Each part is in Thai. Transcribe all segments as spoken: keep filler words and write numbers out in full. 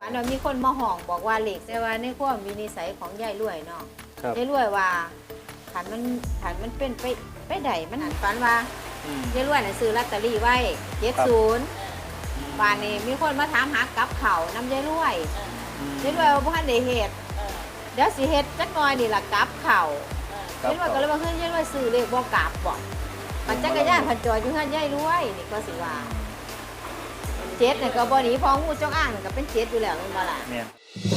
อันนั้นมีคนมาห้องบอกว่าเหล็กแต่ว่าในความมีนิสัยของยายรวยเนาะยายรวยว่าขันมันขันมันเป็นไปไปไดมันฝันว่ายายรวยน่ะซื้อลอตเตอรี่ไว้เจ็ดศูนย์บ้านนี้มีคนมาถามหากับเขาน้ำยายรวยยายรวยว่าพ่อได้เฮ็ดเดี๋ยวสิเฮ็ดจักหน่อยนี่ล่ะกับเขายายรวยก็เลยว่าเฮ้ยยายรวยซื้อเลขบ่กลับบ่มันจักรยานพันจอยอยู่เฮือนยายรวยนี่ก็สิว่าเจ็ดเนี่ยก็บ่หนีพองูจงอ้างก็เป็นเจ็ดอยู่แล้วมันบ่ล่ะเนี่ย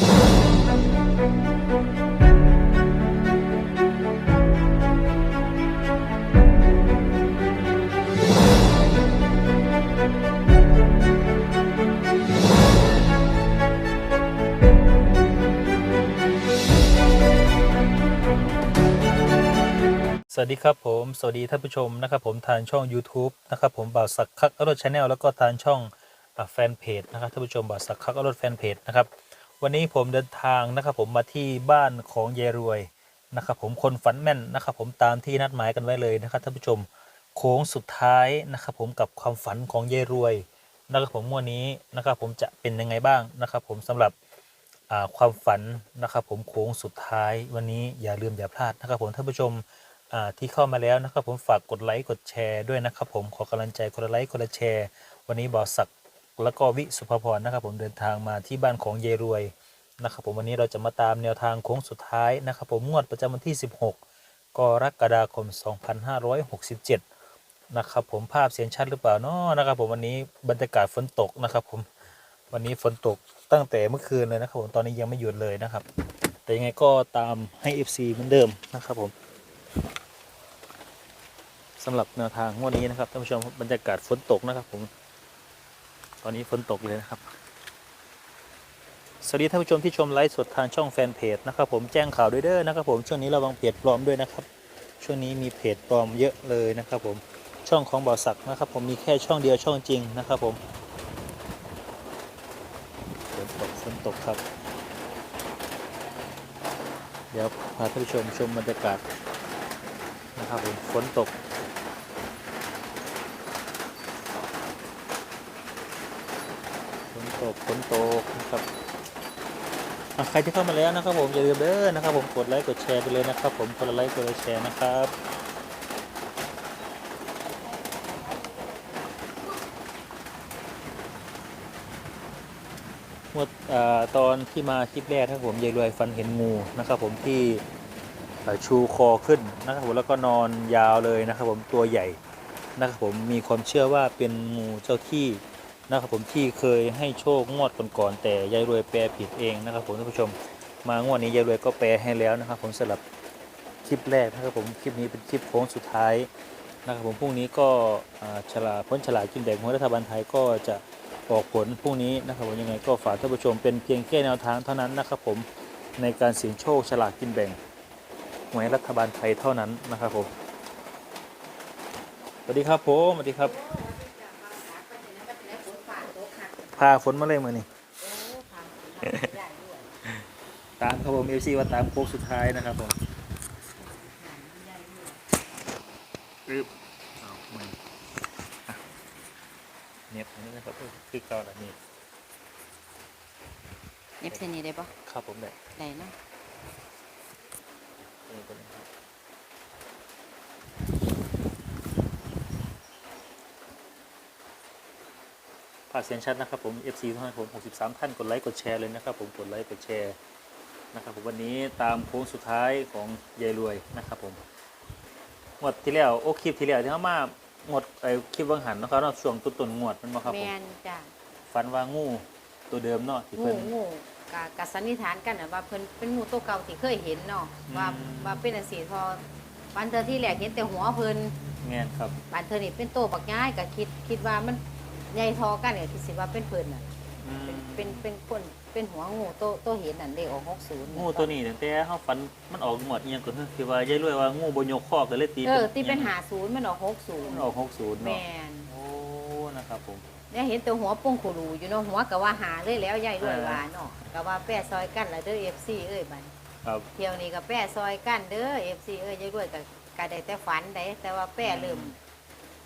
สวัสดีครับผมสวัสดีท่านผู้ชมนะครับผมทางช่อง YouTube นะครับผมบ่าวสักคักอรรถชาแนลแล้วก็ทางช่องแฟนเพจนะครับท่านผู้ชมบ่าวสักคักอรรถแฟนเพจนะครับวันนี้ผมเดินทางนะครับผมมาที่บ้านของยายรวยนะครับผมคนฝันแม่นนะครับผมตามที่นัดหมายกันไว้เลยนะครับท่านผู้ชมโค้งสุดท้ายนะครับผมกับความฝันของยายรวยนะครับผมวันนี้นะครับผมจะเป็นยังไงบ้างนะครับผมสำหรับความฝันนะครับผมโค้งสุดท้ายวันนี้อย่าลืมอย่าพลาดนะครับผมท่านผู้ชมที่เข้ามาแล้วนะครับผมฝากกดไลค์กดแชร์ด้วยนะครับผมขอกำลังใจกดไลค์กดแชร์วันนี้บ่าวศักดิ์แล้วก็วิสุภพรนะครับผมเดินทางมาที่บ้านของยายรวยนะครับผมวันนี้เราจะมาตามแนวทางโค้งสุดท้ายนะครับผมงวดประจำวันที่สิบหกกรกฎาคมสองพันห้าร้อยหกสิบเจ็ดนะครับผมภาพเสียงชัดหรือเปล่าเนาะนะครับผมวันนี้บรรยากาศฝนตกนะครับผมวันนี้ฝนตกตั้งแต่เมื่อคืนเลยนะครับผมตอนนี้ยังไม่หยุดเลยนะครับแต่ยังไงก็ตามให้ เอฟ ซี เหมือนเดิมนะครับผมสำหรับแนวทางวันนี้นะครับท่านผู้ชมบรรยากาศฝนตกนะครับผมตอนนี้ฝนตกเลยนะครับสวัสดีท่านผู้ชมที่ชมไลฟ์สดทางช่องแฟนเพจนะครับผมแจ้งข่าวด้วยเด้อนะครับผมช่วงนี้ระวังเพจปลอมด้วยนะครับช่วงนี้มีเพจปลอมเยอะเลยนะครับผมช่องของบ่าวศักดิ์นะครับผมมีแค่ช่องเดียวช่องจริงนะครับผมฝนตกฝนตกครับเดี๋ยวพาท่านผู้ชมชมบรรยากาศนะครับผมฝนตกฝนตกฝนตกนะครับใครที่เข้ามาแล้วนะครับผมอย่าลืมเด้อนะครับผมกดไลค์กดแชร์ไปเลยนะครับผมกดไลค์กดแชร์นะครับเมื่อตอนที่มาคลิปแรกนะครับผมยายรวยฟันเห็นงูนะครับผมที่ชูคอขึ้นนะครับผมแล้วก็นอนยาวเลยนะครับผมตัวใหญ่นะครับผมมีความเชื่อว่าเป็นงูเจ้าที่นะครับผมที่เคยให้โชคงวดก่อนๆแต่ยายรวยแปลผิดเองนะครับผมท่านผู้ชมมางวดนี้ยายรวยก็แปลให้แล้วนะครับผมสำหรับคลิปแรกนะครับผมคลิปนี้เป็นคลิปโค้งสุดท้ายนะครับผมพรุ่งนี้ก็ฉลากพ้นฉลากกินแบ่งของรัฐบาลไทยก็จะออกผลพรุ่งนี้นะครับผมยังไงก็ฝากท่านผู้ชมเป็นเพียงแค่แนวทางเท่านั้นนะครับผมในการเสี่ยงโชคฉลากกินแบ่งหวยรัฐบาลไทยเท่านั้นนะครับผมสวัสดีครับผมสวัสดีครับพาฝนมาเลยมือนี่ตามครับผมเอฟซีว่าตามโค้งสุดท้ายนะครับผมปึ๊บเอามือเน็บอันนี้นะครับคือเก่าแบบนี้เน็บเส้นนี้ได้ปะครับผมได้ได้เนาะภาพเสียงชัดนะครับผม เอฟ ซี ทุกท่านผมหกสิบสามท่านกดไลค์กดแชร์เลยนะครับผมกดไลค์กดแชร์นะครับผมวันนี้ตามโค้งสุดท้ายของยายรวยนะครับผมงวดที่แล้วโอ้คลิปที่แล้วที่เขามางวดไอ้คลิปวังหันนะครับเนาะช่วงต้นๆงวดมันมาครับผมแม่นจ้ะฝันว่างูตัวเดิมเนาะที่เพิ่นงูกะกะสันนิษฐานกันนะว่าเพิ่นเป็นงูตัวเก่าที่เคยเห็นเนาะว่าว่าเป็นอันสีพอวันเธอที่แรกเห็นแต่หัวเพิ่นแม่นครับวันเธอนี่เป็นโตบักย้ายก็คิดคิดว่ามันใหญ่ทอกันเนี่ยคิดสิว่าเป็นเพิ่นน่ะเป็นเป็นเป็นคนเป็นหัวงูโตโตเห็นนั่นเลขออกหกสิบงูตัวนี้ตั้งแต่เฮาฝันมันออกงวดอีหยังก็คือว่ายายรวยว่างูบ่ยกคอก็เลยตีเออตีเป็นห้าสิบมันออกหกสิบมันออกหกสิบเนาะแม่นโอ้นะครับผมเนี่ยเห็นแต่หัวป่งขุรูอยู่เนาะหัวก็ว่าหาเลยแล้วยายรวยว่าเนาะก็ว่าแป้ซอยกันละเด้อ เอฟ ซี เอ้ยบัดครับเที่ยวนี้ก็แป้ซอยกันเด้อ เอฟ ซี เอ้ยยายรวยก็ก็ได้แต่ฝันได้แต่ว่าแป้เริ่ม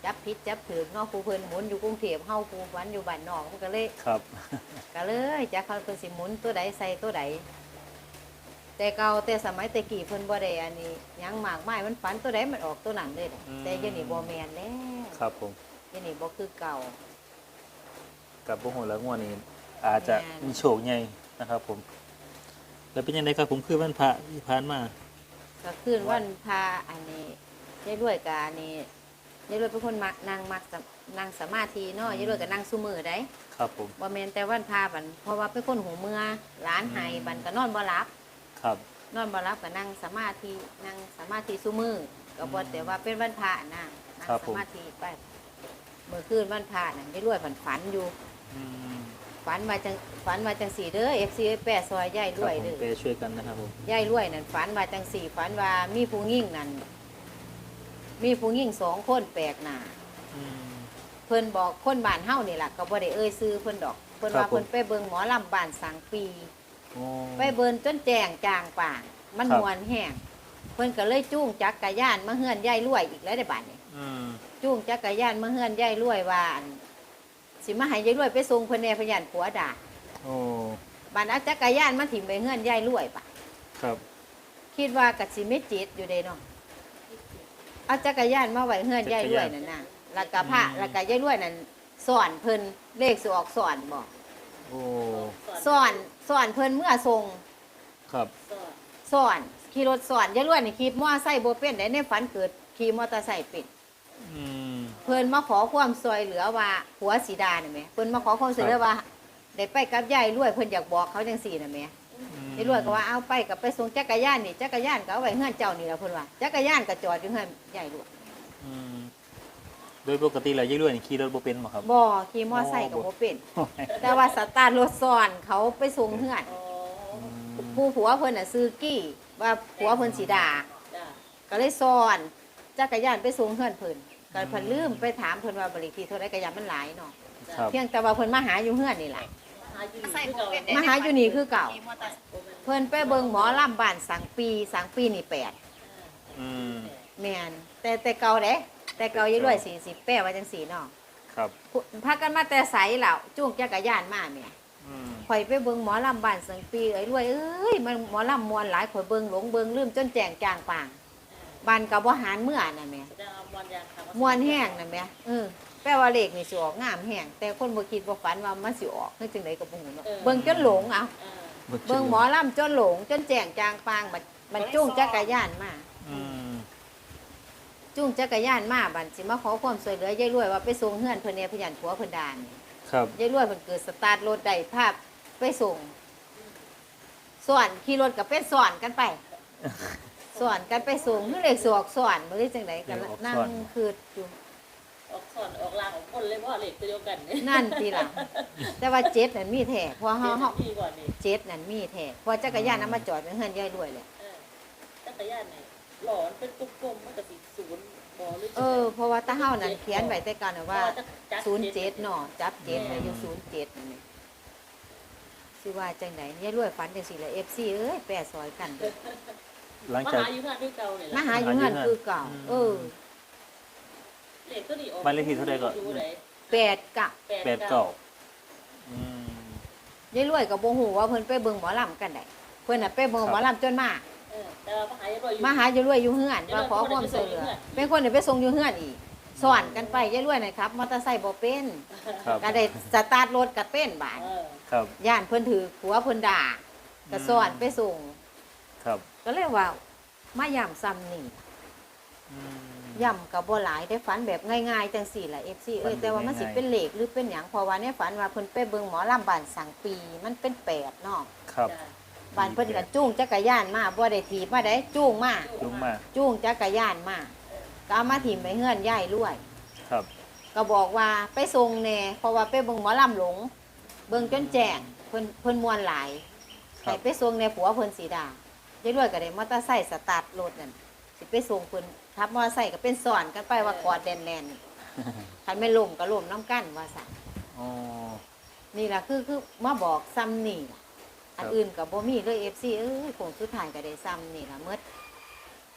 จับผิดจับถือเนาะผู้เพิ่นหมุนอยู่กรุงเทพเฮาผู้ฝันอยู่บ้านนอกมันก็เลยครับก็เลยจักเขาเพิ่นสิหมุนตัวใดใส่ตัวใดแต่เก่าแต่สมัยแต่กี้เพิ่นบ่ได้อันนี้หยังมากมายมันฝันตัวใดมันออกตัวนั้นเลยเด้อแต่เดี๋ยวนี้บ่แม่นแล้วครับผมเดี๋ยวนี้บ่คือเก่ากับพวกหัวแล้วงวดนี้อาจจะแม่นมีโชคใหญ่นะครับผมแล้วเป็นยังไงครับผมคือวันพระที่ผ่านมาก็คืนวันพาอันนี้ยายรวยกับอันนี้ยายรวยเป็นคนมักนั่งมักสมนั่งสมาธิเนาะยายรวยก็นั่งซุมือได้ครับผมบ่แม่นแต่วันพาบันเพราะว่าเป็นคนหูเมื่อร้านไห้บันก็นอนบ่หลับครับนอนบ่หลับก็นั่งสมาธินั่งสมาธิซุมือก็บ่แต่ว่าเป็นวันพระนะนั่งสมาธิไปเมื่อคืนวันพระน่ะยายรวยฝันฝันอยู่อืมฝันว่าจังฝันว่าจังสี่เด้อ เอฟ ซี แปดซอยยายครรับวยผมเด้อไปช่วยกันนะครับผมยายรวยนั่นฝันว่าจังสี่ฝันว่ามีผู้หญิงนั่นมีผู้หญิงสองคนแปลกหน้าอืมเพิ่นบอกคนบ้านเฮานี่ล่ะก็บ่ได้เอ่ยซื้อเพิ่นดอกเพิ่นครัว่าบผมเพิ่นไปเบิ่งหมอลำบ้านสังปีโอ้ไปเบิ่งจนแจ้งจางป่างมันครับมวนแห้งเพิ่นก็เลยจูงจักรยานมาเฮือนยายรวยอีกแล้วได้บัดนี้อืมจูงจักรยานมาเฮือนยายรวยว่าอั่นสิมาให้ยายรวยไปส่งเพิ่นแหน่พยานผัวด่าโอ้บัดเอาจักรยานมาถิ่มไปเฮือนยายรวยปะครับคิดว่ากัสิไม่จิตอยู่เด้เนาะเอาจักรยานมาไว้เฮือนยายรวยนั่นน่ะแล้วก็พระแล้วก็ยายรวยนั่นสอนเพิ่นเลขสิออกสอนบอกโอ้สอนสอนเพิ่นเมื่อทรงครับสอนขี่รถสอนยายรวยนี่ขี่มอไซค์บ่เป็นได้ในฝันเกิดขี่มอเตอร์ไซค์เป็นอืมเพิ่นมาขอความช่วยเหลือว่าผัวสีดานี่แหมเพิ่นมาขอความช่วยเหลือว่าได้ไปกับยายรวยเพิ่นอยากบอกเขาจังซี่น่ะแหม ยายรวยก็ว่าเอาไปกับไปส่งจักรยานนี่จักรยานก็เอาไว้เฮือนเจ้านี่แหละเพิ่นว่าจักรยานก็จอดอยู่เฮือนยายรวยอืมโดยปกติแล้วยายรวยนี่ขี่รถบ่เป็นบ่ครับบ่ขี่มอไซค์ก็บ่เป็น แต่ว่าสตาร์ทรถซ้อนเขาไปส่งเฮือนอืมผู้ผัวเพิ่นน่ะซื้อกี้ว่าผัวเพิ่นสิด่าก็เลยซ้อนจักรยานไปส่งเฮือนเพิ่นก็เพิ่นลืมไปถามเพิ่นว่าบริทีเท่าใดก็ยามมันหลายเนาะครับเพียงแต่ว่าเพิ่นมาหาอยู่เฮือนนี่แหละใส่บ่เป็นมาหาอยู่นี่คือเก่าเพิ่นไปเบิ่งหมอลำบ้านสังปีสังปีนี่แปดอืมแม่นแต่แต่เก่าเด้แต่เก่ายายรวยสี่สิบแปดว่าจังสี่เนาะครับพากันมาแต่ไสแล้วจูงจักรยานมาแม่อืมข่อยไปเบิ่งหมอลำบ้านสังปีเอ้ยรวยเอ้ยมันหมอลำมวนหลายข่อยเบิ่งหลงเบิ่งลืมจนแจงจางปางบ้านก็บ่หารเมื่อน่ะแม่จะเอามวนยางค่ะมวนแห้งน่ะแม่เออแปลว่าเลขนี่สิออกงามแห้งแต่คนบ่คิดบ่ฝันว่ามันสิออกคือจังไดก็บ่ฮู้เนาะเบิ่งจนหลงเอาเออเบิ่งหมอลำจนหลงจนแจงจางปางบัดมันจูงจักรยานมาอืมจูงจักรยานมาบัดสิมาขอความช่วยเหลือยายรวยว่าไปส่งเฮือนเพิ่นแหน่พยานผัวเพิ่นด่านี่ครับยายรวยเพิ่นเกิดสตาร์ทรถได้ภาพไปส่งสอนขี่รถกับเป็นสอนกันไปสอนกันไปส่งคือเลขสออกสอนบ่ได้จังไดกันนั่งคืออยู่ออกสอนออกลางออกคนเลยว่าเหล็กตัวเดียวกันเนี่ยนั่นทีหลังแต่ว่าเจ็ดนั่นมีแท้เพราะเฮาเฮาพี่ก่อนนี่เจ็ดนั่นมีแท้เพราะจักรยานนำมาจอดไว้เฮือนยายรวยแหละเออจักรยานเนี่ยหลอนเป็นกลมๆมันก็สิศูนย์บ่หรือเออเพราะว่าตาเฮานั่นเขียนไว้แต่ก่อนน่ะว่า ศูนย์เจ็ดเนาะจับเจ็ดไปอยู่ศูนย์เจ็ดนั่นนี่สิว่าจังไดยายรวยฝันจังซี่แหละ เอฟ ซี เอ้ยแปรซอยกันเด้อหลังมาจากหาอยู่งานด้วยเก่าเนี่ยมาหาอยู่เฮือนคือเก่าเออเหล็กตัวนี้ออกบ้านเลขที่เท่าใดก่อนยู่ไหนแปดกะแปดเก้าอืมยายรวยก็บ่ฮู้ว่าเพิ่นไปเบิ่งหมอลำกันได้เพิ่นน่ะไปเบิ่งหมอลำจนมาเออแต่ว่ามาหาอยู่มาหายายรวยอยู่เฮือนมาขอความช่วยเหลือเป็นคนที่ไปส่งอยู่เฮือนอีกสอนกันไปยายรวยน่ะครับมอเตอร์ไซค์บ่เป็นครับก็ได้สตาร์ทรถก็เป็นบาดเออครับย่านเพิ่นถือผัวเพิ่นด่าก็สอนไปส่งครับก็เลยว่ามาย่ำซ้ำนี่อืมย่ำกับบ่หลายได้ฝันแบบง่ายๆจังสี่ล่ะ เอฟ ซี เอ้ยฝันแบบแต่ว่ามันสิง่ายๆเป็นเหล็กหรือเป็นหยังเพราะว่าในฝันว่าเพิ่นไปเบิ่งหมอลำบ้านสังปีมันเป็นแปดเนาะครับจ้ะบ้านเพิ่นก็จูงจักรยานมาบ่ได้ถีบมาได้จูงมาลุงมาจูงจักรยานมาก็เอามาถิ่มไปเฮือนยายรวยครับก็บอกว่าไปส่งแหน่เพราะว่าไปเบิ่งหมอลำหลง เบิ่งจนแจ้งเพิ่นเพิ่นมวนหลายครัให้บไปส่งในผัวเพิ่นสีดายายรวยก็ได้มอเตอร์ไซค์สตาร์ทรถนั่นสิไปส่งเพิ่นขับมอเตอร์ไซค์ก็เป็นสอนกันไปว่ากอดแน่นๆคันไม่ล่มก็ล่มน้ำกั้นว่าซั่นอ๋อนี่ล่ะคือคือมาบอกซ้ำนี่ล่ะครับอันอื่นก็บ่มีเลย เอฟ ซี เอ้ยคงสุดท้ายก็ได้ซ้ำนี่ล่ะหมด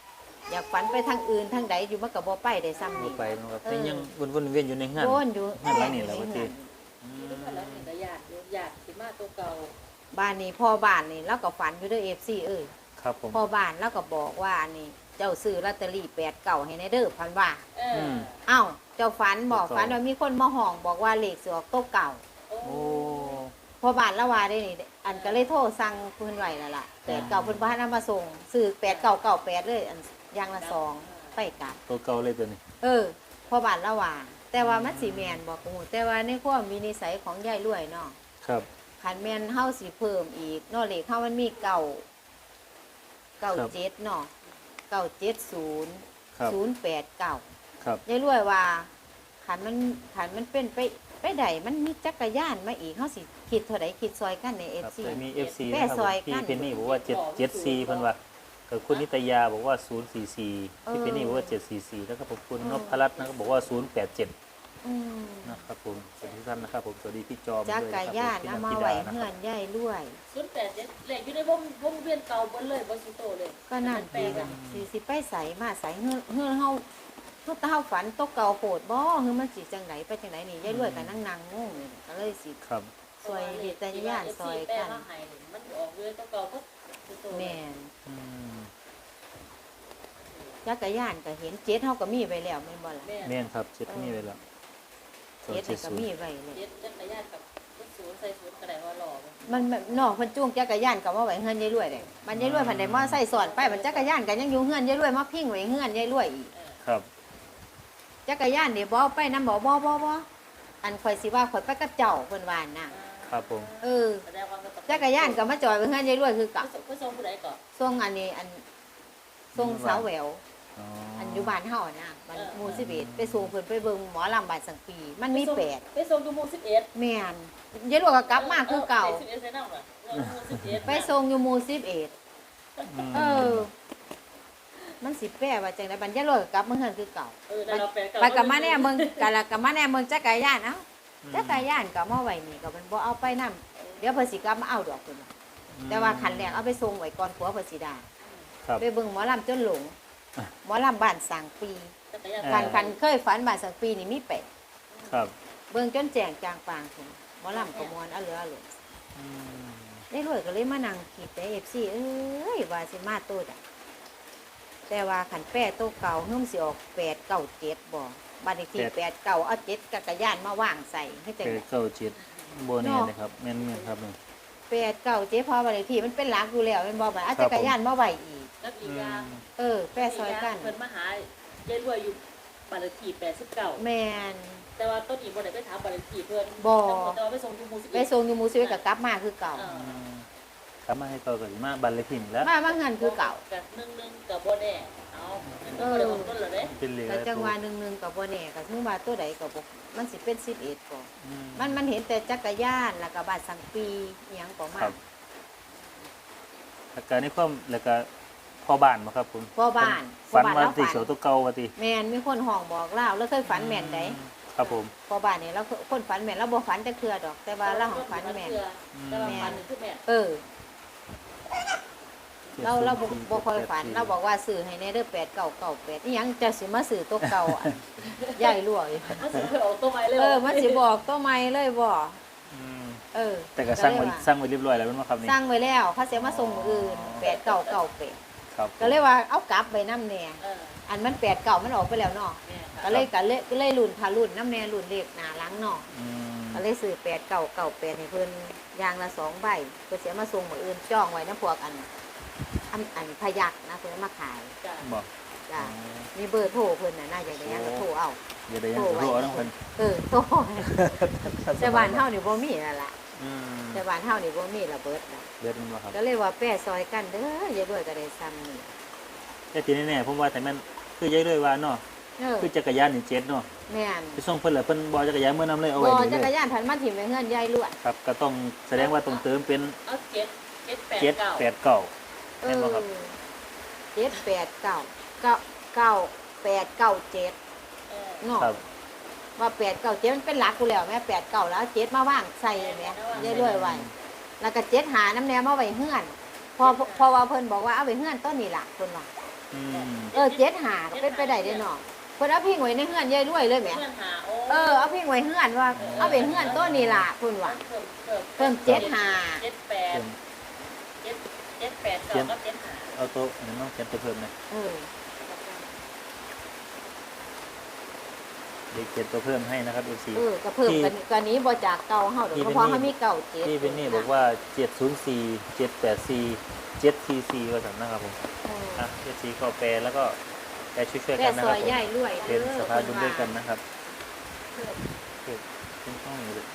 อยากฝันไปทางอื่นทางใดอยู่มันก็บ่ไปได้ซ้ำบ่นี่ไปเนาะครับเออแต่ยังวนๆเวียนๆอยู่ในงานโวนอยู่งานหลังนี่แหละว่าติอืนี่ก็มแล้วนี่ก็ญาติอยู่ญาติสิมาตัวเก่าบ้านนี้พ่อบ้านนี่เราก็ฝันอยู่เด้อ เอฟ ซี เอ้ยครับผมพ่อบ้านเราก็บอกว่านี่เจ้าซื้อลอตเตอรี่แปดเก้าให้ในเด้อพันว่าเออมเอ้าเจ้าฝันบอกเก้าฝันว่ามีคนมาห้องบอกว่าเลขสิออกโต๊ะเก่าโอ้โอ้พ่อบ้านละว่าได้นี่อันก็เลยโทรสั่งเพิ่นไว้แล้วล่ะแปดเก้าเพิ่นบ่ทันเอามาส่งซื้อแปดเก้าเก้าแปดเลยอันอย่างละสองไปกลับตัวเก่าเลยตัวนี้เออพ่อบ้านละว่า แต่ว่ามันสิแม่นบ่กูแต่ว่าในความมีนิสัยของยายรวยเนาะครับคันแม่นเฮาสิเพิ่มอีกเนาะเลขเฮามันมีเก้าเก้าเจ็ดเนาะเก้าเจ็ดศูนย์ครับศูนย์แปดเก้าครับยายรวยว่าขันมันขันมันเป็นไปไปใดมันมีจักรยานมาอีกเขาสิคิดเท่าไดคิดซอยกันในเอคฟรับซีแต่มี เอฟ ซีแม่นะครับซอยพี่กันเพนนี่บอกว่าเจ็ด เจ็ด สี่เพิ่นว่ากับคุณนิตยาบอกว่าศูนย์สี่สี่พี่เพนนี่บอกว่าเจ็ดสี่สี่แล้วก็ผมคุณนพรัตน์นะครับบอกว่าศูนย์แปดเจ็ดนะครับผมสวัสดีทุกท่านนะครับผมสวัสดีพี่จอมจัด้วยกรนะยาคน รับเอาผมมาพี่ไว้นันธิดานะเฮืคอรับนยายรวยศูนย์แปดเจ็ดเลขอยู่ในวงวงเวียนเก่าเบนเลยบ่สิโตเลยก็นั่นแปลดีกละอะสิสิไปใสมาใสเฮือนเฮือนเฮาเฮาตาเฮาฝันตกเก่าโหดบ่คือมันสิจังไดไปจังไดนี่ยายรวยก็นั่งนั่งงงอยู่ก็เลยสิครับซอยเหตุญาณซอยกันมันออกเวียนตัวเก่าก็สิโตเลยแม่นอืมจักรยานก็เห็นเจ็ดเฮาก็มีไว้แล้วแม่นบ่ล่ะแม่แม่นครับเจ็ดนี่ไปแล้วเจ็ดนี่ก็มีไว้แล้วเจ็ดจักรยานกับรถศูนย์ใส่ศูนย์ก็ได้ว่าหล่อบ่มันมันนอกเพิ่นจูงจักรยานก็มาไว้เฮือนยายรวยเด้มันยายรวยเพันได้มาใส่สอนไปมันจักรยานก็ยังอยู่เฮือนยายรวยมาพิงไว้เฮือนยายรวยอีกเออครับจักรยานนี่บ่เอาไปนำบ่บ่บ่บ่อันข่อยสิว่าข่อยไปกับเจ้าเพิ่นว่าน่ะครับผมเออแสดงว่ามันต้องจักรยานก็มาจอดไว้เฮือนยายรวยคือเกับไปส่งผู้ใดก่อนส่งอันนี้อันส่งสาวแหววอ๋ออันอยู่บ้านเฮาน่ะบ้านหมู่สิบเอ็ดไปส่งเพิ่นไปเบิ่งหมอลำบ้านสังปี มันมีแปดไปส่งอยู่หมู่สิบเอ็ดแม่นยายรวยก็กลับมาคือเก่าสิบเอ็ดใส่น้ำเหรอหมู่สิบเอ็ดไปส่งอยู่หมู่สิบเอ็ดมเออ มันสิแปลว่าจังได๋บัดยายรวยก็กลับมาเฮือนคือเก่าเออแล้วเราแปลไปกับมาแน่เมืองกะละกับมาแน่เมืองจักรยานเอ้าจักรยานก็มาไว้นี่ก็มันบ่เอาไปนํเดี๋ยวเพิ่นสิกลับมาเอาดอกเพิ่นว่าแต่ว่าคันแรกเอาไปส่งไว้ก่อนผัวเพิ่นสิได้ครับไปเบิ่งหมอลำจนหลง หมอลำบ้านสังปีจักรยานคันคันเคยฝันบ้านสังปีนี่มีแปดครับเบิ่งจนแจ้งจางปางพุ่นหมอลำก็ม่วนเอาเหลือเอาหลงอืมได้รวยก็เลยมานั่งคิดแต่ เอฟ ซี เอ้ยว่าสิมาโตดอ่ะแต่ว่าคันแป้โตเก่าเฮิ่มสิออกแปดเก้าเจ็ดบ่บ้านเลขที่แปดเก้าเอาเจ็ดจักรยานมาวางใส่ให้จังเจ็ได๋ดเก้าเจ็ดโบแน่เลยครับแม่นแม่นครับนี่แปดเก่าเจ๊พอบัตรเลขที่มันเป็นหลักอยู่แล้วแมันบอกว่าเอาครับจักรยานมาไว้อีกแล้วอีกอย่างเออแปะซอยกันเพิ่นมาหายายรวยอยู่บ้านเลขที่แปดสิบเก้าแมนแต่ว่าต้นอีบ่ได้ไปถามบ้านเลขที่เพิ่นบ่แต่ว่าไปส่งอยู่หมู่สิบไปเอ็ดส่งอยู่หมูซิเวกับกลับมาคือเก่าเอออืมครับมาให้ต่อกันมาบันเลยพิมพ์แล้วมามาเงินคือเก่ากับหนึ่งหนึ่งกับบ่แน่เอาเออบ่ได้ออกต้นแล้วเด้เป็นเหลือแต่จังหวะหนึ่งหนึ่งกับบ่แน่กับถึงว่าตัวใดกับบ่มันสิเป็นสิบเอ็ดก่อนอืมันมันเห็นแต่จักรยานแล้วก็บาดสังปีอหยังก็มาครับแล้วก็ในความแล้วก็พ่อบ้านมาครับผมพ่อบ้านฝันพ่อบ้านว่าเราติฝันเขียวตัวเก่าว่าติแมนมีคนห้องบอกเล่าแล้วเคยฝันแม่นไดครับผมพ่อบ้านนี่เราคนฝันแม่นเราบ่ฝันแต่เทื่อดอก แต่ว่าเราของฝันแม่นแต่ว่าฝันนี่คือแม่นเออ เราเราบ่บ่ค่อยฝันเราบอกว่าซื้อให้ในเด้อแปดเก้าเก้าแปดอีหยังจะสิมาซื้อตัวเก่าอ่ะ ใหญ่รวยมันสิเพิ่นออกตัวใหม่เลยเออมันสิบอกตัวใหม่เลยบ่อืมเออแต่ก็สร้างไว้เลยว่สร้างไว้เรียบร้อยแล้วแม่นบ่ครับนี่สร้างไว้แล้วเขาเสียมาส่งมื้ออื่นแปดเก้าเก้าแปดครับก็เลยว่าเอากลับไปน้ำแน่เอออันมันแปดเก้ามันออกไปแล้วเนาะแม่นก็เลยก็เลยก็เลยรุ่นทารุ่นน้ำแน่รุ่นเลขหน้าหลังเนาะอืมก็เลยซื้อแปดเก้าเก้าแปดให้เพิ่นอย่างละสองใบเพิ่นเสียมาส่งมื้ออื่นจ้องไว้น้ำพวกอันอันอันพยักนะเพิ่นเอามาขายจ้ะบอกจ้ะมีเบอร์โทรเพิ่นน่ะน่าอยากได้หยังก็โทรเอาอย่าได้ยังจะรู้เอาทั้งเพิ่นเออโทรแต่บ้านเฮานี่บ่มีนั่นล่ะอืมแต่บ้านเฮานี่บ่มีระเบิดน่ะเบิดมันบ่ครับก็เลยว่าแป้ซอยกันเด้ออย่าด้วยก็ได้ซ้ำนี่แต่ทีแน่ๆผมว่าแต่แม่นคือยายเลยว่าเนาะเออคือจักรยานนี่เจ็ดเนาะแม่นไปส่งเพิ่นแล้วเพิ่นบ่จักรยานเมื่อนำเลยเอาบ่ไว้นี่จักเลรยยานผันมาถิ่มไว้เฮือนยายล้วนครับก็ต้องแสดงว่าต้องเติมเป็นเอาเจ็ดเจ็ดแปดเจ็ดเก้าแปดเก้าเอแม่นอบ่ครับเจ็ดแปดเก้าเก้าเก้าแปดเก้าเจ็ดเออเนาะครับว่าแปดเก้าเจ็ดมันเป็นหลักกูแล้วแม่แปดเก้าแล้วเจ็ดมาว่างใส่แม่ยายล้วนไว้แล้วก็เจ็ดหาน้ำแนวมาไว้เฮือนพอพอว่าเพิ่นบอกว่าเอาไว้เฮือนต้นนี่ล่ะเพิ่นว่าอืมเออเจ็ดหาก็เป็นไปได้เด้อเนาะเพิ่นเอาพิงไว้ในเฮือนยายรวยเลยแหมเพื่อนหาโอ้เออเอาพิงไว้เฮือนว่าเอาไปเฮือนต้นนี่ล่ะเพิ่นว่าเพิ่มเพิ่มเพิ่มเจ็ดหาเจ็ดแปดเจ็ดเจ็ดแปดสองก็เจ็ดหาเอาโต๊ะอันนั้นต้องเขียนตัวเพิ่มนะเออเด็กเขียนตัวเพิ่มให้นะครับ เอฟ ซีเออก็เพิ่มกันกันนี้บ่จากเก่าเฮาดอกเพราะเฮามีเก่าเจ็ดพี่เป็นนี่บอกว่าเจ็ดศูนย์สี่เจ็ดแปดสี่เจ็ดสี่สี่ว่าสั่นนะครับผมเอออ่ะเอฟซีเข้าแปลแล้วก็แปลช่วยๆแม่กันนะซคอรับยผมยายรวยเป็นด้อสภาบุญด้วยกันเพิ่นะครับเพิ่มเกิดขึ้นห้องนี้เลย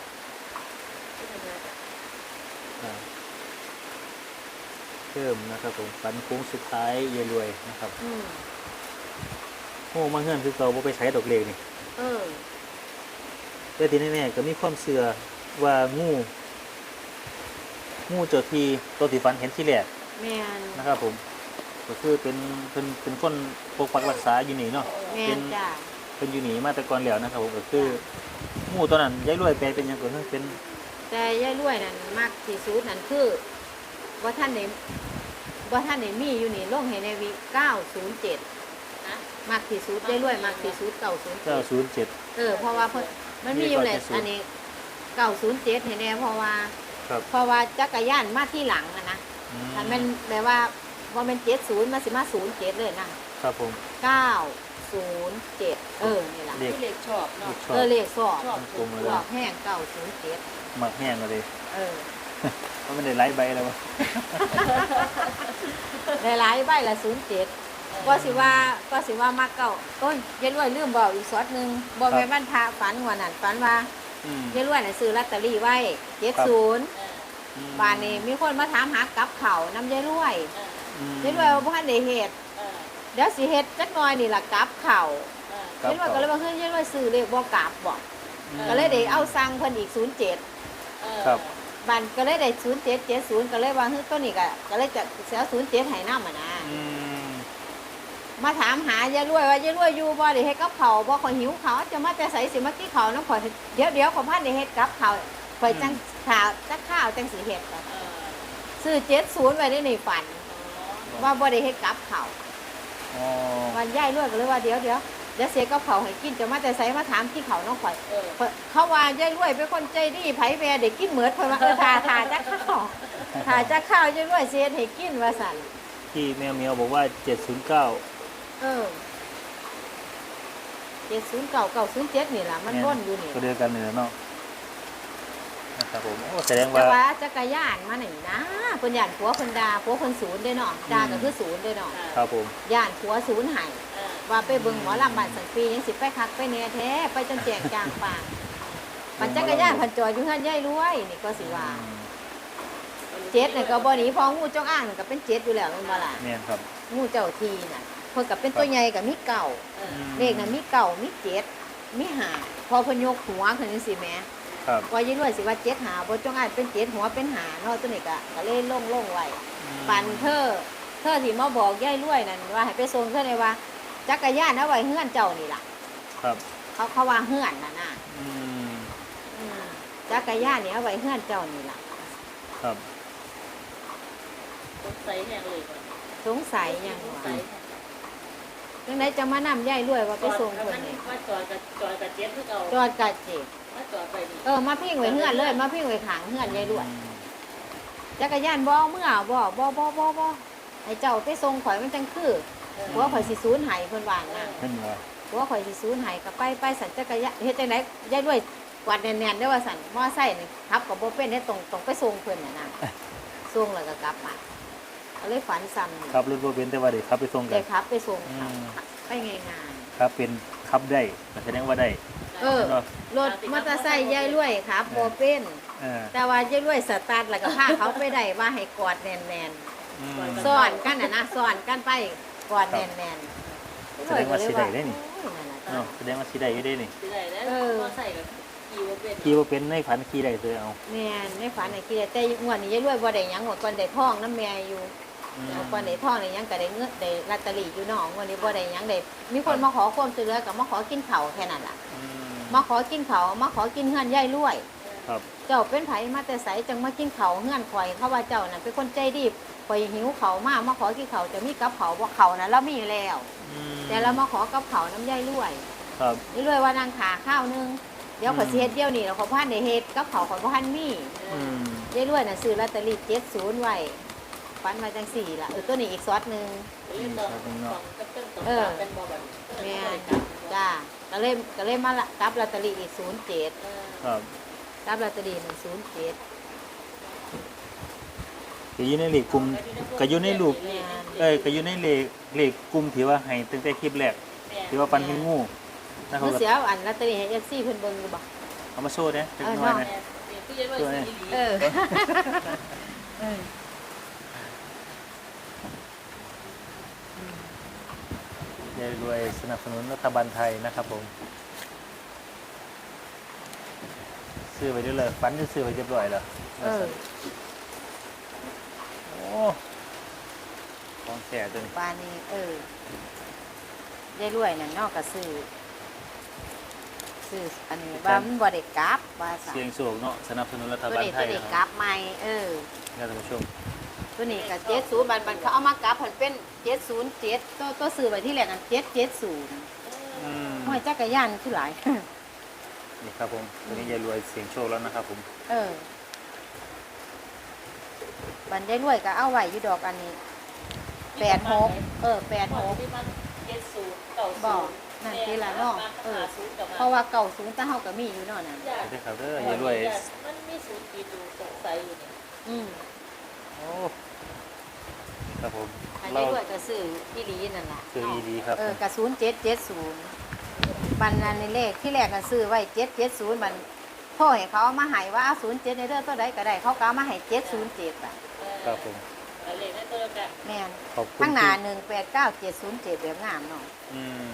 อ่าเพิ่มนะครับผมฝันโค้งสุดท้ายเยายรวยนะครับอืมโอ้มาเงื่อนคือเราบ่ไปใช้ดอกเลขนี่เออแต่ที่แน่ๆก็มีความเชื่อว่างูงูเจ้าที่ตัวที่ฝันเห็นที่แรกแม่นนะครับผมก็คือเป็นเป็นเป็นคนปกปักรักษาอยู่นี่เนาะแม่เป็น นจ้ะเป็นอยู่นี่มาแต่ก่อนแล้วนะครับผมก็คืองูตัวนั้นยายรวยแปลเป็นหยังก็คือเป็นแต่ยายรวยนั่นมากที่สุดนั่นคือว่าท่านได้ว่าท่านได้มีอยู่นี่ลงให้ในวิเก้าศูนย์เจ็ดนะมากที่สุดยายรวยมากที่สุดเก้าศูนย์เจ็เก้าดศูนย์เจ็ดเออเพราะว่าเพิ่นมันมีอยู่แหละอันนี้เก้าศูนย์เจ็ดเห็นแน่เพราะว่าครับเพราะว่าจักรยานมาที่หลังอะนะอืมถ้ามันแบบว่าว่ามันเจ็ดศูนย์มาสิมาศูนย์เจ็ดเลยนะครับผมเก้าศูนย์เจ็ดเออนี่ล่ะเลขที่เล็กชอบเลเนาะขชอเอบ อเลขสอบชอบกลมๆเลยสอบแห้งเก้าศูนย์เจ็ดหมักแห้งเลยเออเพราะมันได้ไล่ใบแล้ววะหลายๆใบละศูนย์เจ็ดก็สิว่าก็สิว่ามาเก่าโอ้ยยายรวยลืมบอกอีกสอดหนึ่งบอกแม่บ้านพาฝันวันนั้นฝันว่าอืมยายรวยน่ะซื้อลอตเตอรี่ไว้เจ็ดศูนย์เอออืมบ้านนี้มีคนมาถามหากับเขาวน้ำยายรวยเอออืมยายรวยว่าบ่ทันได้เฮ็ดเออเดี๋ยวสิเฮ็ดจักหน่อยนี่ล่ะกับเขาวเออครับยายรวยก็เลยว่าเฮ้ยยายรวยซื้อเลขบ่กลับบ่อืมก็เลยได้เอาสั่งเพิ่นอีกศูนย์เจ็ดเออครับบ้านก็เลยได้ศูนย์เจ็ดเจ็ดศูนย์ก็เลยว่าเฮ้ยตัวนี้ก็ก็เลยจะสิเอาศูนย์เจ็ดให้นำอ่ะนะอืมมาถามหายายรวยว่ายายรวยอยู่บ่ได้เฮ็ดกับเขาวบ่ข่อยหิวเขาวจะมาแต่ไสสิมากินข้าวน้ำข่อยเดี๋ยวเดี๋ยวขอยพันได้เฮ็ดกับข้าวข่อยจังข้าวจักข้าวจังสิเฮ็ดเออซื้อเจ็ดศูนย์ไว้ในฝัน ว่าบ่ได้เฮ็ดกับข้าวอ๋อวันยายรวยก็เลยว่าเดี๋ยวเดี๋ยวเดี๋ยวเสียกับข้าวให้กินจะมาแต่ไสมาถามกินข้าวน้องข่อยเออข่อยเขาว่ายายรวยเป็นคนใจดีไผแม่ได้กินเหมือดเพิ่นว่าเออทาทาจักข้าวทาจักข้าวยายรวยสิเฮ็ดให้กินว่าซั่นที่แมวเมียวบอกว่าเจ็ดศูนย์เก้าเออเจ็ดศูนย์เก้าเก้าศูนย์เจ็ดนี่ล่ะมันวนอยู่นี่ก็เดียวกันเลยเนาะนะครับผมโอ้แสดงแต่ว่าว่าจักรยานมานี่นะเพิ่นย่านผัวเพิ่นด่าผัวเพิ่นศูนย์ได้เนาะด่าก็คือศูนย์ได้เนาะครับผมย่านผัวศูนย์ให้เออว่าไปเบิ่งหมอลำบ้านสันปียังสิไปคักไปแหน่แท้ไปจนแจกจางปากปั่นจักรยานเพันจอดอยู่เฮือนยายรวยนี่ก็สิว่าเจ็ดนี่ก็บ่หนีเพองูจงอ้างนี่ก็เป็นเจ็ดอยู่แล้วแม่นบ่ล่ะเนี่ยครับงูเจ้าทีน่ะเพิ่นก็เป็นตัวใหญ่ก็มีเก่าเออเลขน่ะมีเก่ามีเจ็ดมีห้าพอเพิ่นยกหัวขึ้นจังซี่แหมครับว่ายายรวยสิว่าเจ็ดหาบ่จงอ้างเป็นเจ็ดหัวเป็นหาเนาะตัวนี้ก็ก็เลยลงลงไว้ ปันเธอเธอที่มาบอกยายรวยนั่นว่าให้ไปส่งเธอเลยว่าจักรยานเอาไว้เฮือนเจ้านี่ล่ะครับเขาเขาว่าเฮือนน่ะนะอืมอืมจักรยานนี่เอาไว้เฮือนเจ้านี่ล่ะครับสงสัยแห้งเลยก่อนสงสัยหยังสงว่าสัยจังไดจะมานำยายรวยว่าไปส่งเพิ่นนี่ว่าจอดกับจอดกับเจ็ดคือเก่าจอดกะเจ็บว่าจอดไปนี่เออมาพิงไว้เฮือนเลยมาพิงไว้ข้างเฮือนยายรวยจักรยานบ่เอาเมื่อบ่บ่บ่บ่บ่ให้เจ้าไปส่งข่อยมันจังคือผัวข่อยสิสูญหายเพิ่นว่าน่ะเห็นว่าผัวข่อยสิสูญหายก็ไปไปสั่นจักรยานเฮ็ดจังไดยายรวยกวาดแน่นๆได้อว่าสั่นมอไซค์นี่ขับก็บ่เป็นได้ตรงตรงไปส่งเพิ่นน่ะนะส่งแล้วก็กลับมาก็เลยฝันซ้ำนี่ครับรถบ่เป็นแต่ว่าเด็กขับไปส่งกัได้นขับไปส่งอืเขามไปง่ายครับเป็นขับได้แสดงว่าได้ๆเออเนาะรถมอเตอร์ไซค์ยายรวยครับบ่เป็นเออแต่ว่ายายรวยสตาร์ทแล้วก็พาเขาไปได้ว่าให้กอดแน่นอืมๆซ้อนกันน่ะนะซ้อนกันไปกอดแน่นๆแสดงว่าสิได้ได้นี่โอ้ยนั่นน่ะเนาะแสดงว่าสิได้อยู่ได้นี่สิได้แล้วก็ใส่กับขี่ว่าเป็นขี่บ่เป็นในฝันขี่ได้เลยเอาแม่นในฝันน่ะคิดได้แต่งวดนี้ยายรวยบ่ได้หยังงวดก่อนได้ทองน้ำแม่อยู่อืมงวดก่อนได้ทองได้หยังก็ได้เงินได้ลอตเตอรี่อยู่เนาะงวดนี้บ่ได้หยังได้มีคนมาขอความช่วยเหลือก็มาขอกินข้าวแค่นั้นล่ะอืมมาขอกินเขาวมาขอกินเฮือนยายรวยครับกเจ้าเป็นไผมาแต่ไสจังมากินเขาวเฮือนข่อยเขาว่าเจ้าน่ะเป็นคนใจดีข่อยหิวเขาวมากมาขอกินเขาวจะมีกับเขาวบ่เขาวน่ะเรามีแล้วอืมแต่เรามาขอกับเขาวน้ำยายรวยครับยายรวยว่านางขาข้าวนึงเดี๋ยวข่อยสิเฮ็ดเดี๋ยวนี้แล้วขอยบ่ทันได้เฮ็ดกับเขาวข่อยบ่ทันมีอืมยายรวยน่ะซื้อลอตเตอรี่เจ็ดศูนย์ไว้ฝันมาจังสี่ล่ะเออตัวนี้อีกซอสหนึงเล่นตอนสองกับเต้นสองเออเป็นบอแบบแม่นจ้าก็เลยก็เลยมาละกับลอตเตอรี่อีกศูนย์เจ็ดครับกับลอตเตอรี่หนึ่งศูนย์เจ็ดก็อยู่ในเลขกลุ่มก็อยู่ในรูปเอ้ยก็อยู่ในเลขเลขกลุ่มที่ว่าให้ตั้งแต่คลิปแรกที่ว่าฟันเห็นงูนะครัเมื่บอเสียอันลอตเตอรี่ให้เอฟซีเพิ่นเบิ่งอยู่บ่เอามาโชว์เด้จักเออหน่อยเนาะนะผู้ใหญ่ด้วยสีเออเออยายรวยสนับสนุนรัฐบาลไทยนะครับผมซื้อไปด้วยเลยฟันจะซื้อไปเรียบร้อยแล้วเออโอ้ของแก่ตัวนี้ปานนี้เออยายรวยนั่นเนอกก็ซื้อซื้ออันนี้ว่ามันบ่ได้กลับว่าซั่นเสียงสูงเนาะสนับสนุนรัฐตัวบาลนี้ไทตัวย นี้นะกคลัรับบใหม่เออท่านผู้ชมตัวนี้ก็เจ็ดศูนย์บันบันเขาเอามากลับเพิ่นเป็นเจ็ดศูนย์เจ็ดตัวตัวซื้อไว้ที่แรกอันเจ็ดเจ็ดศูนย์อืมห้อยจักรยานคือหลายนี่ครับผมตัวนี้ยายรวยเสียงโชคแล้วนะครับผมเออ บันได้รวยก็เอาไว้อยู่ดอกอันนี้แปดหกเออแปดหกที่มันเจ็ดศูนย์เก่าบอกนั่นทีละเนาะเออ เพราะว่าเก่าสูงแต่เฮาก็มีอยู่เนาะนั่นสวัสดีครับเด้อยายรวยมันมีศูนย์ปีดูสงสัยอยู่เนี่ยอืมโอ้ครับผมอันเราได้รวยก็ซื้ออีหลีนั่นล่ะซื้ออีดีครับเออกระศูนย์เจ็ดเจ็ดศูนย์บันนั้นในเลขที่แรกก็ซื้อไว้เจ็ดเจ็ดศูนย์มันพ่อให้เขาเอามาให้ว่าเอาศูนย์เจ็ดในเรื่องตัวใดก็ได้เขาก็เอามาให้เจ็ดศูนย์เจ็ดอ่ะครับผมเลขได้ตัวกันแม่นขอบคุณข้างหน้าที่หนึ่งแปดเก้าเจ็ดศูนย์เจ็ดแบบงามเนาะอืม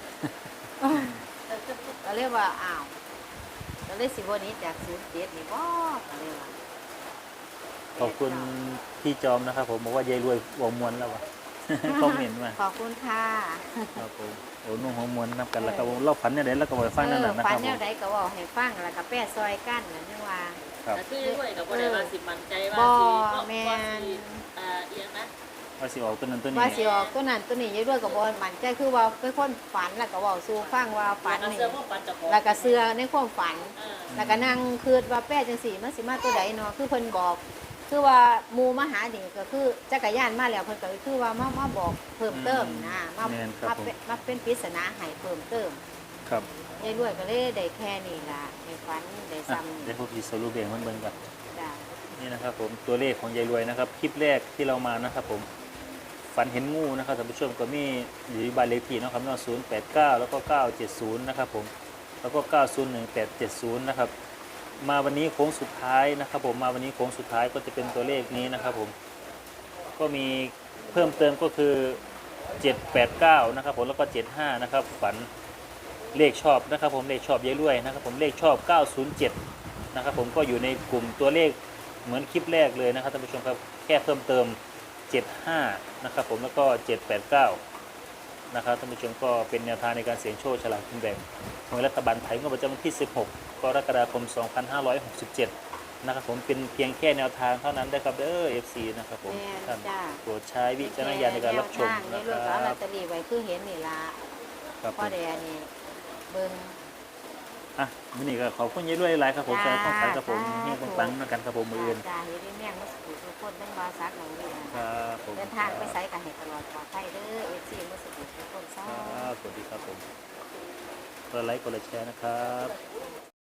ก็เรียกว่าอ้าวก็เลยสิบวันนี้จากศูนย์เจ็ดนี่บ่ก็เลยว่าขอบคุณพี่จอมนะครับผมบอกว่ายายรวยหัวมวนแล้ววะ คอมเมนต์มาขอบคุณค่ะครับผมโอ้นุ่งหัวมวนนับกันแล้วครับผมเราฝันเนี่ยเดี๋ยวเราก็ไปฟังนั่นแหละนะฟัคน รับผแนวมใดก็บอกให้ฟังแล้วก็แป้ซอยกั้นนั่นนี่ว่าครับแต่คือด้วยกับว่าได้ว่าสิมันใจว่าบ่สิแม่นว่าสิอ่าเอียงนะว่าสิออกตัวนั้นตัวนี้ว่าสิออกตัวนั้นตัวนี้อยังด้วยกับบอลมันใจคือว่าเป็นคนฝันแล้วก็เว่าสู่ฟังว่าฝันนี่เสื้อพวกปันจะพอแล้วก็เสือในความฝันอ่าแล้วก็นั่งคืดว่าแป้จังสีมันสิมาตัวใดเนาะคือเพิ่นบอก คือว่าหมูมาหานี่ก็คือจักรยานมาแล้วเพิ่นก็คือว่ามามาบอกเพิ่มเติมนะมาแม่นครับมาผมเป็นมาเป็นปริศนาให้เพิ่มเติมครับยายรวยก็เลยได้แค่นี้ล่ะในฝันได้อ่ะซ้ำเดี๋ยวพวกพี่สรุปเองมันเบิ่งก่อนจ้ะนี่นะครับผมตัวเลขของยายรวยนะครับคลิปแรกที่เรามานะครับผมฝันเห็นงูนะครับท่านผู้ชมก็มีอยู่ที่บ้านเลขที่เนาะครับเนาะศูนย์แปดเก้าแล้วก็เก้าเจ็ดศูนย์นะครับผมแล้วก็เก้าศูนย์หนึ่งแปดเจ็ดศูนย์นะครับมาวันนี้โค้งสุดท้ายนะครับผมมาวันนี้โค้งสุดท้ายก็จะเป็นตัวเลขนี้นะครับผมก็มีเพิ่มเติมก็คือเจ็ดแปดเก้านะครับผมแล้วก็เจ็ดห้านะครับฝันเลขชอบนะครับผมเลขชอบยายรวยนะครับผมเลขชอบเก้าศูนย์เจ็ดนะครับผมก็อยู่ในกลุ่มตัวเลขเหมือนคลิปแรกเลยนะครับท่านผู้ชมครับแค่เพิ่มเติมเจ็ดห้านะครับผมแล้วก็เจ็ดแปดเก้านะครับท่านผู้ชมก็เป็นแนวทางในการเสี่ยงโชคฉลากกินแบ่งของรัฐบาลไทยงวดประจำวันที่สิบหกกรกฎาคมสองพันห้าร้อยหกสิบเจ็ดนะครับผมเป็นเพียงแค่แนวทางเท่านั้นนะครับเด้อ เอฟ ซี นะครับผมแม่นท่านจ้ะโปรดใช้วิจารณญาณในการรับชมแนวทางยายรนะควยก็เอาลรัอบ ตเตอรี่ไว้คือเห็นนี่ล่ะครับผพ่อมแดงนี่เบิ่งอ่ะวันนี้ก็ขอบคุณยายรวยหลายๆครับผมจ้าสำหรับข้อมูลครับผมจ้านี่ปังๆกันครับผมมืออื่นจ้าเฮ็ดให้แม่งมาสู่ทุกคนทั้งบาซักหลังเรียนครับผมเดินทางไปไสกันให้ตลอดปลอดภัยเด้อเอฟซีมาสู่ทุกคนคซ้อรับสวัสดีครับผมกดไลค์กดแชร์นะครับ